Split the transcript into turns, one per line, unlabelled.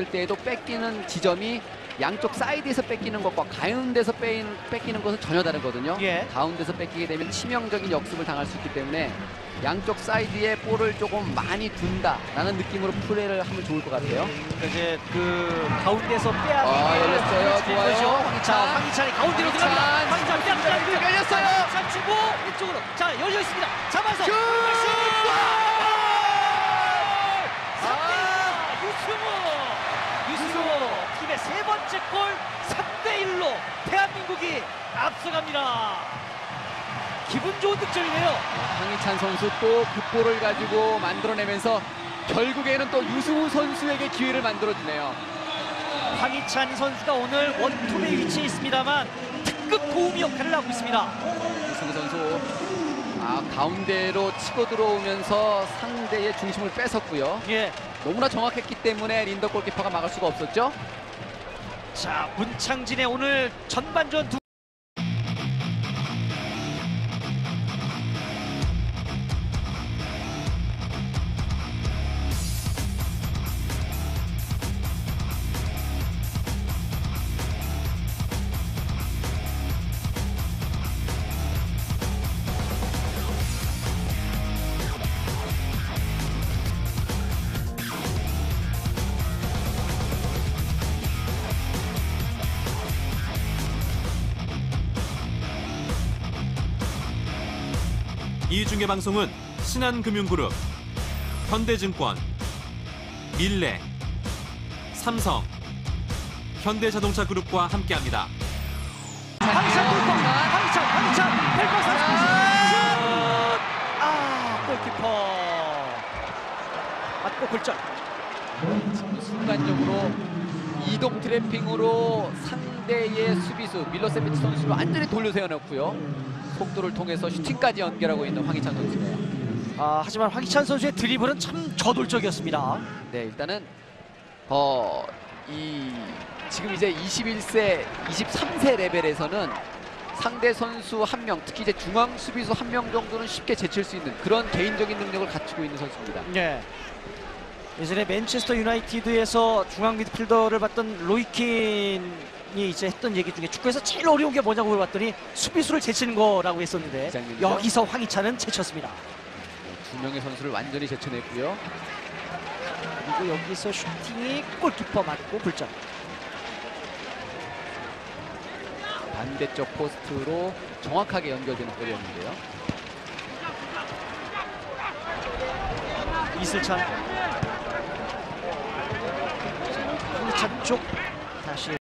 때에도 뺏기는 지점이 양쪽 사이드에서 뺏기는 것과 가운데서 뺏기는 것은 전혀 다르거든요.
예.
가운데서 뺏기게 되면 치명적인 역습을 당할 수 있기 때문에 양쪽 사이드에 볼을 조금 많이 둔다라는 느낌으로 플레이를 하면 좋을 것 같아요.
그러니까 이제 그 가운데서 빼야
열렸어요. 좋아요.
황희찬이 가운데로
황희찬.
들어갑니다. 황희찬 뺨
열렸어요.
황희찬 주고 이쪽으로 자 열려 있습니다. 잡아서
슛!
유승우 팀의 세 번째 골 3대1로 대한민국이 앞서갑니다. 기분 좋은 득점이네요.
황희찬 선수 또 그 볼을 가지고 만들어내면서 결국에는 또 유승우 선수에게 기회를 만들어주네요.
황희찬 선수가 오늘 원톱에 위치해 있습니다만 특급 도움 역할을 하고 있습니다.
유승우 선수 가운데로 치고 들어오면서 상대의 중심을 뺏었고요.
예.
너무나 정확했기 때문에 린더 골키퍼가 막을 수가 없었죠.
자, 문창진의 오늘 전반전 두
이 중계 방송은 신한금융그룹, 현대증권, 밀레, 삼성, 현대자동차그룹과 함께합니다.
황희찬 골키퍼! 황희찬! 펠커 30슛! 골키퍼 맞고 골절.
지금 순간적으로 이동 트래핑으로 상대의 수비수 밀로세비치 선수를 완전히 돌려 세워놓고요. 속도를 통해서 슈팅까지 연결하고 있는 황희찬 선수네요.
하지만 황희찬 선수의 드리블은 참 저돌적이었습니다.
네, 일단은 지금 이제 21세, 23세 레벨에서는 상대 선수 한 명, 특히 이제 중앙 수비수 한 명 정도는 쉽게 제칠 수 있는 그런 개인적인 능력을 갖추고 있는 선수입니다.
네. 예전에 맨체스터 유나이티드에서 중앙 미드필더를 봤던 로이킨이 이제 했던 얘기 중에 축구에서 제일 어려운 게 뭐냐고 물어봤더니 수비수를 제치는 거라고 했었는데 여기서 황희찬은 제쳤습니다.
두 명의 선수를 완전히 제쳐냈고요.
그리고 여기서 슈팅이 골키퍼 맞고 불점.
반대쪽 포스트로 정확하게 연결되는 골이었는데요.
이슬찬. 황희찬 쪽 다시